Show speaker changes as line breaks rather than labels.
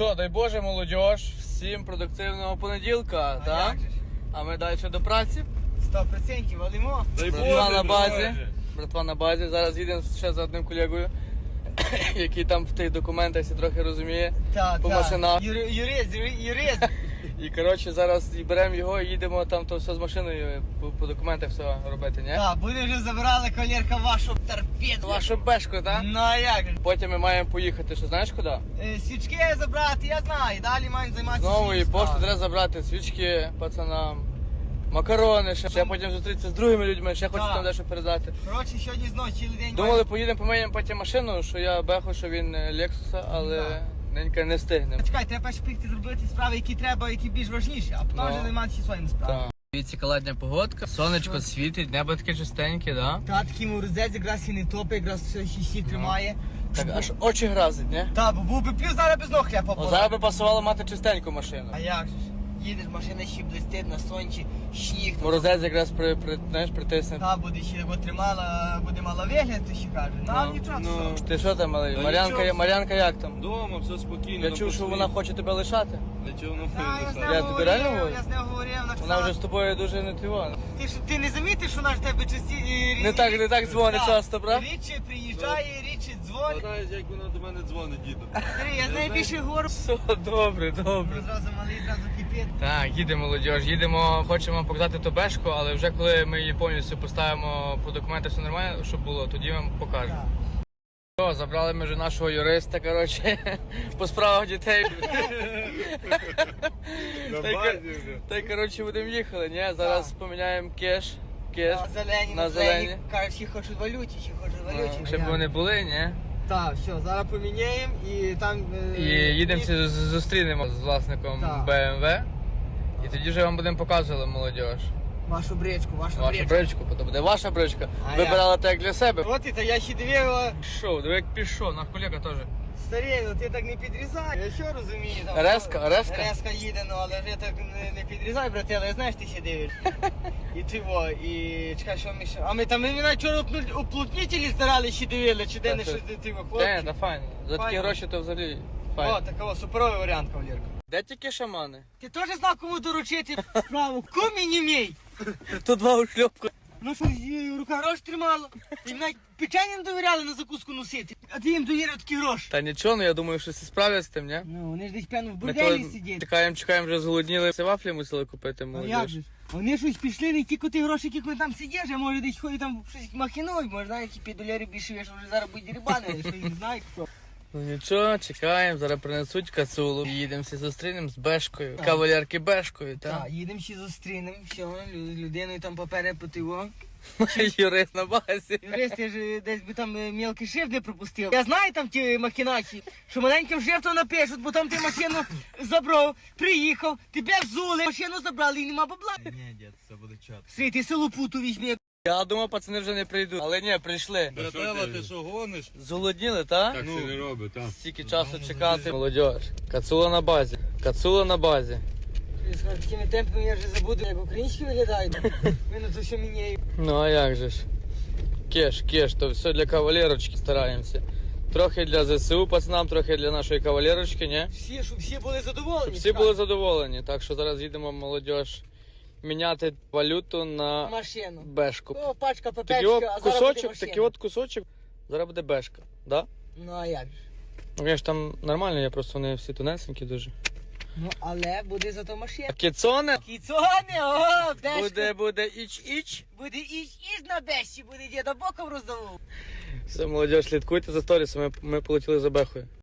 що, дай Боже, молодіж, всім продуктивного понеділка, так? А ми далі до праці.
100% валимо.
Братва на базі. Братва на базі. Зараз їдемо ще за одним колегою, який там в тих документах всі трохи розуміє по машинах.
Юрист.
І коротше зараз беремо його і їдемо там то все з машиною по документах все робити, ні?
Так, буде вже забирали колірка вашу торпеду.
Вашу бешку, так?
Ну а як же?
Потім ми маємо поїхати, що знаєш куди?
Свічки забрати, я знаю. Далі маємо займатися.
Знову і
своїм
пошту
справам.
треба забрати пацанам, пацанам, макарони, ще потім зустрітися з другими людьми, ще хочу
Так.
там дещо передати.
Коротше, сьогодні знову цілий день.
Думали, поїдемо помиємо потім машину, що я беху, що він Лексуса, але ненька не встигнемо.
Чекай, треба перше прийти зробити справи, які треба, які більш важніші, а потім вже займатися своїми справами.
Так. Дивіться, каладня погодка, сонечко світить, небо таке чистеньке, да?
Та такий морозець якраз і не топить, якраз все ще тримає.
Так аж очі гразить, не?
Та, бо був би плюс зараз без ног хляпа.
О, зараз би пасувало мати чистеньку машину.
А як же ж? Їдеш, машина ще блистить на сонці, сніг.
Морозець якраз знаєш, притисне.
Та буде ще його тримала, буде мала вигляд, ти ще каже. Ну, нічого, все.
Ти що там, малий?
Та
Мар'янка,
нічого.
Мар'янка як там?
Дома, все спокійно.
Я чув, що вона хоче тебе лишати.
Нічого не
Та, я з нею
Я тобі реально
говорив,
говорю?
я з нею говорив,
Вона
написала.
вже з тобою дуже не тривога.
Ти не замітиш, що вона ж тебе
Не так дзвонить часто, правда?
Рідше приїжджає, рідше дзвонить.
Знаєш, як вона до мене дзвонить, діду.
Смотри, я з нею більше говорю.
Все, добре, добре.
Зразу малий, зразу кипить.
Так, їдемо, молодіж, їдемо, хочемо показати ту бешку, але вже коли ми її повністю поставимо по документах, все нормально, щоб було, тоді вам покажемо. Все, забрали ми вже нашого юриста, коротше, по справах дітей. Та й, коротше, будемо їхали, ні? Зараз поміняємо кеш.
На зелені. Кажуть, всі хочуть валюті, всі хочуть валюті.
Щоб вони були, ні?
Так, все, зараз поміняємо і там...
І їдемо всі зустрінемо з власником
Так.
BMW. І тоді вже вам будемо показувати, молодіж.
Вашу бричку, вашу
Вашу бричку, то буде ваша бричка.
А
Вибирала так для себе.
От і то я ще дивив,
Пішов, диви як пішов, наш колега теж.
старий, ну ти так не підрізай. Я що розумію там.
Резка?
Резка їде, ну але вже так не підрізай, брате, але знаєш, ти ще дивиш. І ти во, і чекай, що ми ще. А ми там вчора уплотнителі старали, ще дивили, чи де не щось ти во, хлопці.
Та файно. За такі
Файно.
гроші то взагалі
О,
файно.
такого суперовий варіант, кавалерка.
Де тільки шамани?
Ти теж знав, кому доручити справу? Кумі не мій.
То два ушльопку.
Ну що, рука гроші тримала. Їм навіть печення не довіряли на закуску носити. А ти їм довірив такі гроші.
Та нічого, ну я думаю, що всі справляться з тим, ні?
Ну, вони ж десь певно в
Ми
борделі
то
сидять.
чекаємо, вже зголодніли. Всі вафлі мусили купити,
А як
молодіж.
же? ж? Вони щось пішли, не тільки ті гроші, які вони там сидять, а може десь ходять там щось махінують, може знаєш, які $5 більше, що вже зараз будуть рибани, що їх не знають хто.
Ну нічого, чекаємо, зараз принесуть кацулу. Їдемо всі зустрінемо з бешкою. Кавалерки бешкою,
Так,
так?
їдемо ще зустрінемо, все, людиною там папери потиво.
Юрист на базі.
Юрист, я ж десь би там мелкий шрифт не пропустив. Я знаю там ті махінації, що маленьким шрифтом напишуть, бо там ти машину забрав, приїхав, тебе взули, машину забрали і нема бабла.
Ні, дід, це буде чат.
Свій, ти селу путу візьми.
Я думав, пацани вже не прийдуть. Але ні, прийшли.
Братела, ти що гониш?
Зголодніли, так?
Так це не робить, так.
Стільки часу чекати. Молодіж. Кацула на базі. Кацула на базі.
З такими темпами я вже забуду, як українські виглядають. Ми на то все міняємо.
Ну а як же ж? Кеш, то все для кавалерочки стараємося. Трохи для ЗСУ пацанам, трохи для нашої кавалерочки, ні?
Всі, щоб всі були задоволені.
Щоб всі були задоволені. Так що зараз їдемо, молодіж, міняти валюту на
машину.
бешку.
О, пачка
Такий
папечка,
от
а зараз
кусочок,
буде машина.
такий от кусочок, зараз буде бешка, да?
Ну а як же?
Ну, конечно, там нормально, я просто вони всі тонесенькі дуже.
Ну, але буде зато машина.
А кіцоне?
Кіцони, о, бешка.
Буде іч-іч.
Буде іж на бешці, буде діда боком роздавав.
Все, молодіж, слідкуйте за сторісами, ми полетіли за бехою.